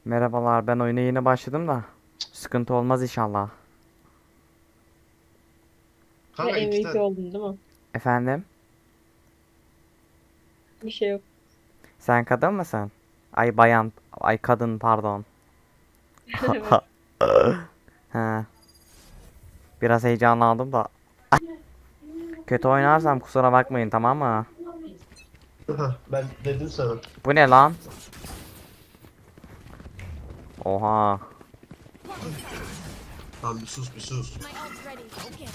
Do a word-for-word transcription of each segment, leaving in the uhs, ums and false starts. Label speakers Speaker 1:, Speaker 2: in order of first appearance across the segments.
Speaker 1: Merhabalar, ben oyuna yeni başladım da sıkıntı olmaz inşallah.
Speaker 2: Ve
Speaker 3: Kanka iki
Speaker 2: M V P
Speaker 3: tane.
Speaker 2: oldun değil mi?
Speaker 1: Efendim?
Speaker 2: Bir şey yok.
Speaker 1: Sen kadın mısın? Ay bayan, ay kadın pardon.
Speaker 2: Evet.
Speaker 1: He, biraz heyecanlandım da. Kötü oynarsam kusura bakmayın, tamam mı?
Speaker 3: Hah, ben dedim sana.
Speaker 1: Bu ne lan? Oha.
Speaker 3: Tamam bir sus bir sus.
Speaker 4: My ult's ready. Okay.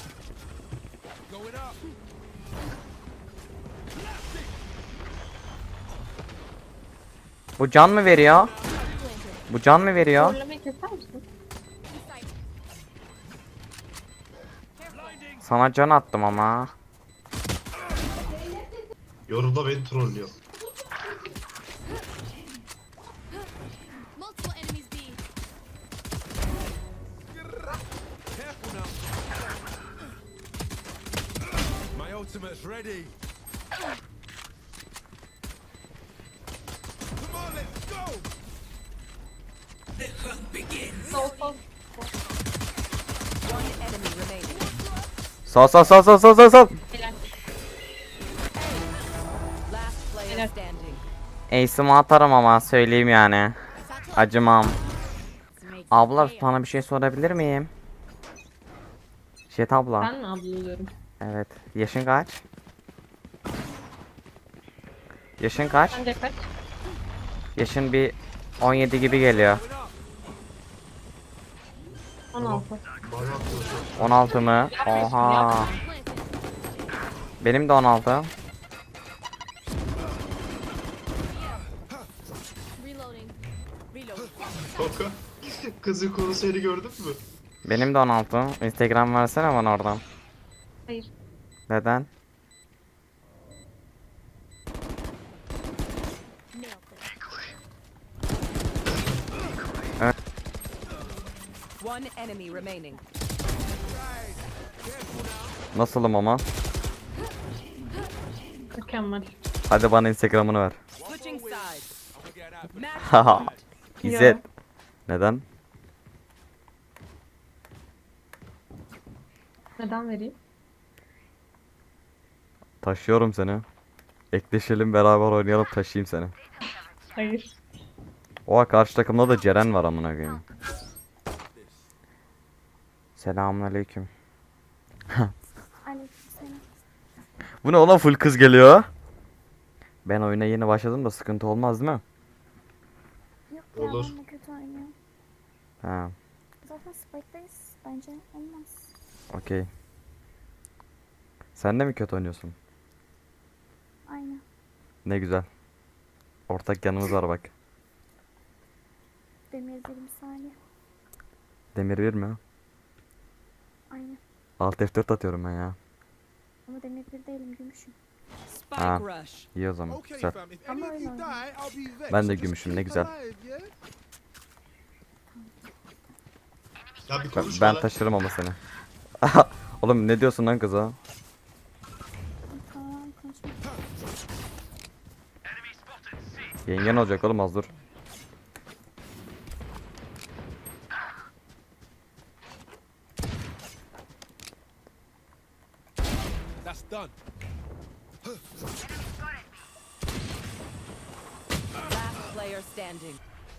Speaker 1: Bu can mı veriyor? Bu can mı veriyor?
Speaker 2: Zorlamayı keser misin?
Speaker 1: Sana can attım ama.
Speaker 3: Yorumda beni trollüyor.
Speaker 4: Multiple enemies B.
Speaker 5: My ultimate's ready. Come on, let's go.
Speaker 2: Sol sol.
Speaker 1: Sol sol sol sol sol sol sol.
Speaker 2: Helal.
Speaker 6: Last player
Speaker 2: Helal.
Speaker 6: standing.
Speaker 1: Ace'imi atarım ama söyleyeyim yani. Acımam. Abla sana bir şey sorabilir miyim? Jet abla.
Speaker 2: Ben mi ablalıyorum?
Speaker 1: Evet. Yaşın kaç? Yaşın kaç?
Speaker 2: Sence kaç?
Speaker 1: Yaşın bir on yedi gibi geliyor.
Speaker 2: on altı.
Speaker 3: Bana atıyorsun.
Speaker 1: on altı mı? Oha.
Speaker 4: Planted.
Speaker 1: Benim de on altı.
Speaker 4: Reloading.
Speaker 3: Kanka. Kızın konserini gördün mü?
Speaker 1: Benim de on altı. Instagram versene bana oradan.
Speaker 2: Hayır.
Speaker 1: Neden?
Speaker 4: Nailed it.
Speaker 6: One enemy remaining.
Speaker 1: Nasılım ama?
Speaker 2: Mükemmel.
Speaker 1: Hadi bana Instagram'ını ver.
Speaker 6: Switching sides. Match
Speaker 1: Haha.
Speaker 6: point.
Speaker 1: İzzet. Neden?
Speaker 2: Neden vereyim?
Speaker 1: Taşıyorum seni. Ekleşelim beraber oynayalım taşıyayım seni.
Speaker 2: Hayır.
Speaker 1: Oha karşı takımda da Ceren var amına koyayım. Selamünaleyküm.
Speaker 4: Aleykümselam.
Speaker 1: Bu ne oğlum full kız geliyor. Ben oyuna yeni başladım da sıkıntı olmaz değil mi?
Speaker 4: Yok ya
Speaker 3: Olur.
Speaker 4: ben de kötü oynuyorum.
Speaker 1: Ha,
Speaker 4: Zaten Spike'dayız. Bence olmaz.
Speaker 1: okey. Sen de mi kötü oynuyorsun?
Speaker 4: Aynen.
Speaker 1: Ne güzel. Ortak yanımız var bak.
Speaker 4: Demir bir saniye.
Speaker 1: Demir bir mi?
Speaker 4: Aynen.
Speaker 1: Alt F dört atıyorum ben ya.
Speaker 4: Ama demir bir değilim gümüşüm.
Speaker 6: Spike
Speaker 1: Ah.
Speaker 6: rush.
Speaker 1: İyi o zaman.
Speaker 5: Okay,
Speaker 1: Güzel.
Speaker 5: fam. If
Speaker 4: I'm
Speaker 5: any of you
Speaker 4: alone.
Speaker 5: die, I'll be vexed.
Speaker 1: Ben de
Speaker 5: so just
Speaker 1: gümüşüm, ne
Speaker 5: keep
Speaker 1: güzel.
Speaker 5: alive, yeah?
Speaker 3: Ya bir
Speaker 1: Ben,
Speaker 3: konuş
Speaker 1: ben
Speaker 3: bana.
Speaker 1: taşırım ama seni. Oğlum ne diyorsun lan kıza?
Speaker 4: Tamam konuşma.
Speaker 1: Yengen olacak oğlum az dur.
Speaker 5: That's done.
Speaker 6: Last player standing.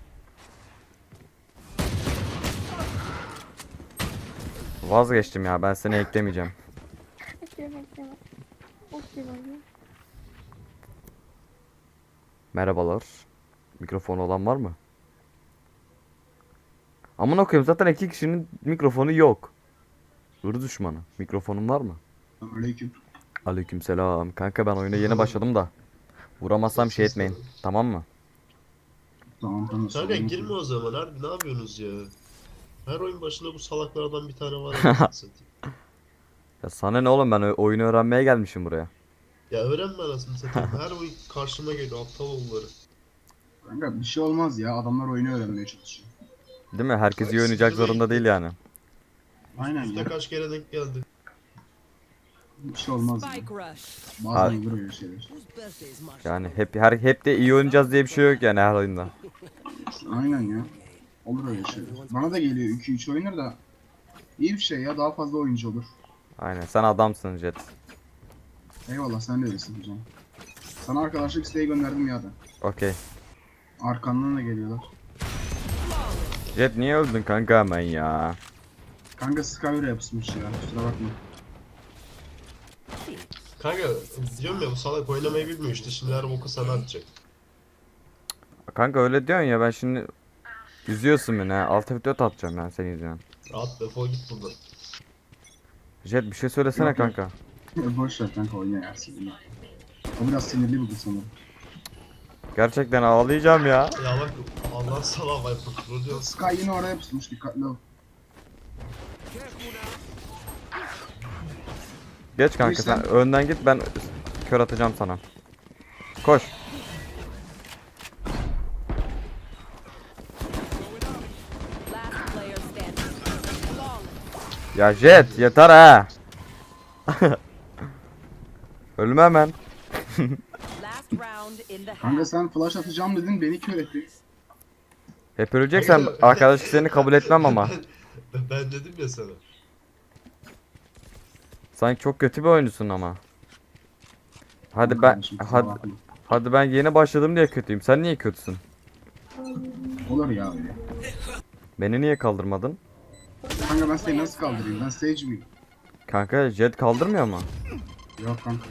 Speaker 1: Vazgeçtim ya ben seni eklemeyeceğim.
Speaker 4: Bekleme bekleme. Of bir oyun.
Speaker 1: Merhabalar. Mikrofonu olan var mı? Amına koyayım zaten iki kişinin mikrofonu yok. Hır düşmanı. Mikrofonun var mı?
Speaker 7: Aleyküm.
Speaker 1: Aleykümselam. Kanka ben oyuna yeni başladım da. Vuramazsam şey etmeyin. Tamam mı?
Speaker 7: Tamam tamam.
Speaker 3: Kanka
Speaker 7: sorun yok.
Speaker 3: girme o zaman harbi ne yapıyorsunuz ya? Her oyun başında bu salaklardan bir tane var. ya, satayım.
Speaker 1: Ya sana ne oğlum ben o- oyunu öğrenmeye gelmişim buraya.
Speaker 3: Ya öğrenme anasını satayım. Her oyun karşıma geliyor aptal oğulları.
Speaker 7: Kanka bir şey olmaz ya. Adamlar oyunu öğrenmeye çalışıyor.
Speaker 1: Değil mi? Herkes iyi
Speaker 3: Ay,
Speaker 1: oynayacak
Speaker 3: siktir be
Speaker 1: zorunda
Speaker 3: gitti.
Speaker 1: değil yani.
Speaker 7: Aynen
Speaker 3: Üste
Speaker 7: ya.
Speaker 3: kaç kere denk geldi.
Speaker 7: Bir şey olmaz ya.
Speaker 6: Spike rush.
Speaker 7: Bazen
Speaker 1: Abi.
Speaker 7: olur öyle şeyler.
Speaker 1: Yani hep her hep de iyi oynayacağız diye bir şey yok yani her oyunda.
Speaker 7: Aynen ya. Olur öyle şeyler. Bana da geliyor iki üç oynar da iyi bir şey ya, daha fazla oyuncu olur.
Speaker 1: Aynen sen adamsın Jet.
Speaker 7: Eyvallah, sen de öylesin hocam. Sana arkadaşlık isteği gönderdim ya da.
Speaker 1: Okey.
Speaker 7: Arkandan da geliyorlar.
Speaker 1: Jet niye öldün kanka hemen ya?
Speaker 7: Kanka Skyver'e yapışmış ya, kusura bakma.
Speaker 3: Kanka diyorum ya bu salak oynamayı bilmiyor işte. Şimdi her boku sana atacak.
Speaker 1: Kanka öyle diyorsun ya ben şimdi üzüyorsun beni ha. Alt F dört atacağım ben senin yüzünden.
Speaker 3: Rahat defol git buradan.
Speaker 1: Jet bir şey söylesene
Speaker 7: Yok, yok.
Speaker 1: kanka.
Speaker 7: Boş ver kanka, oyna yersin. O biraz sinirli bugün sanırım.
Speaker 1: Gerçekten ağlayacağım ya.
Speaker 3: Ya bak Allah sana vay bu diyor.
Speaker 7: Sky yine oraya yapışmış, dikkatli ol.
Speaker 1: Geç kanka
Speaker 7: Neyse.
Speaker 1: sen önden git ben kör atacağım sana. Koş.
Speaker 6: Last player standing. Flawless.
Speaker 1: Ya Jet yeter ha. Ölme hemen.
Speaker 6: Last round in the
Speaker 7: Kanka
Speaker 6: half.
Speaker 7: sen flash atacağım dedin, beni kör ettin.
Speaker 1: Hep öleceksen arkadaşlık seni kabul etmem ama.
Speaker 3: Ben, ben dedim ya sana.
Speaker 1: Sanki çok kötü bir oyuncusun ama. Hadi ben
Speaker 7: Kardeşim, kusura
Speaker 1: hadi,
Speaker 7: bakma.
Speaker 1: hadi ben yeni başladım diye kötüyüm. Sen niye kötüsün?
Speaker 7: Olur ya öyle.
Speaker 1: Beni niye kaldırmadın?
Speaker 7: Kanka ben seni nasıl kaldırayım? Ben Sage miyim?
Speaker 1: Kanka Jet kaldırmıyor mu?
Speaker 7: Yok kanka.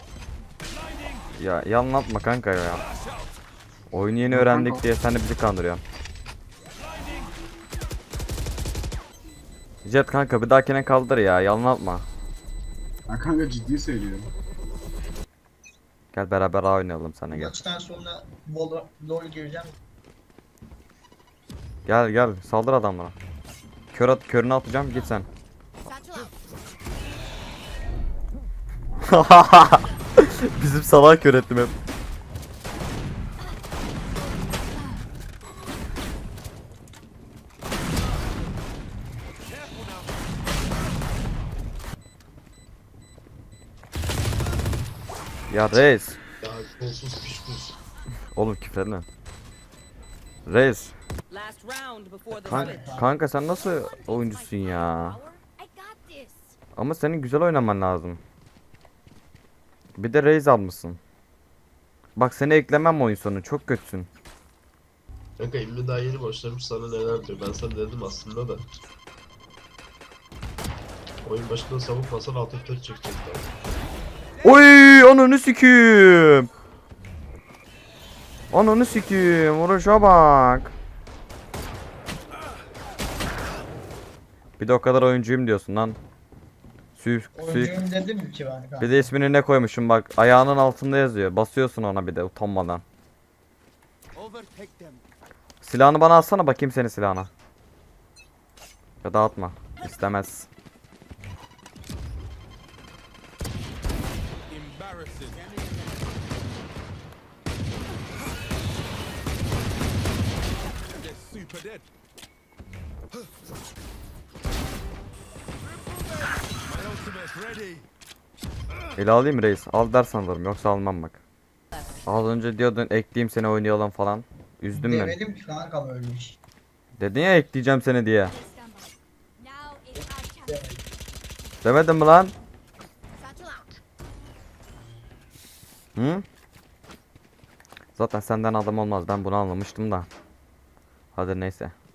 Speaker 1: Ya yalan atma kanka ya. Oyunu yeni
Speaker 7: Yok
Speaker 1: öğrendik
Speaker 7: kanka.
Speaker 1: diye sen de bizi kandırıyorsun. Jet kanka bir dahakine kaldır ya yalan atma.
Speaker 7: Ya kanka ciddi söylüyorum.
Speaker 1: Gel beraber A oynayalım sana gel.
Speaker 8: Maçtan sonra Vol- LoL gireceğim.
Speaker 1: Gel gel saldır adamlara. Kör at körünü atacağım git sen. Bizim salak kör ettim hep. Ya Reis.
Speaker 3: Ya kolsuz piş kuş.
Speaker 1: Oğlum küfredme. Reis.
Speaker 6: Last round before the
Speaker 1: Kanka,
Speaker 6: switch.
Speaker 1: kanka sen nasıl oyuncusun ya?
Speaker 4: I got this.
Speaker 1: Ama senin güzel oynaman lazım. Bir de Reis almışsın. Bak seni eklemem oyun sonu çok kötüsün.
Speaker 3: Kanka İlmi daha yeni başlamış sana neler diyor. Ben sana dedim aslında da. Oyun başında savunmasan alt F dört çekecekler.
Speaker 1: Oy ananı sikiyim. Ananı sikiyim vuruşa bak. Bir de o kadar oyuncuyum diyorsun lan. Sü sü
Speaker 8: Oyuncuyum dedim ki ben kanka.
Speaker 1: bir de ismini ne koymuşum bak ayağının altında yazıyor. Basıyorsun ona bir de utanmadan.
Speaker 5: Overtake them.
Speaker 1: Silahını bana alsana bakayım senin silahına. Ya da atma. İstemez.
Speaker 5: Embarrassing. They're super dead. My ultimate's ready.
Speaker 1: El alayım Reis. Al dersen alırım yoksa almam bak. Az önce diyordun ekleyeyim seni oynayalım falan. Üzdün beni.
Speaker 8: Demedim ki kanka böyle bir şey.
Speaker 1: Dedin ya ekleyeceğim seni diye.
Speaker 4: Now it's our chance.
Speaker 8: Demedim.
Speaker 1: Demedin mi lan?
Speaker 4: Satchel out.
Speaker 1: Hı? Zaten senden adam olmaz ben bunu anlamıştım da. Hadi neyse.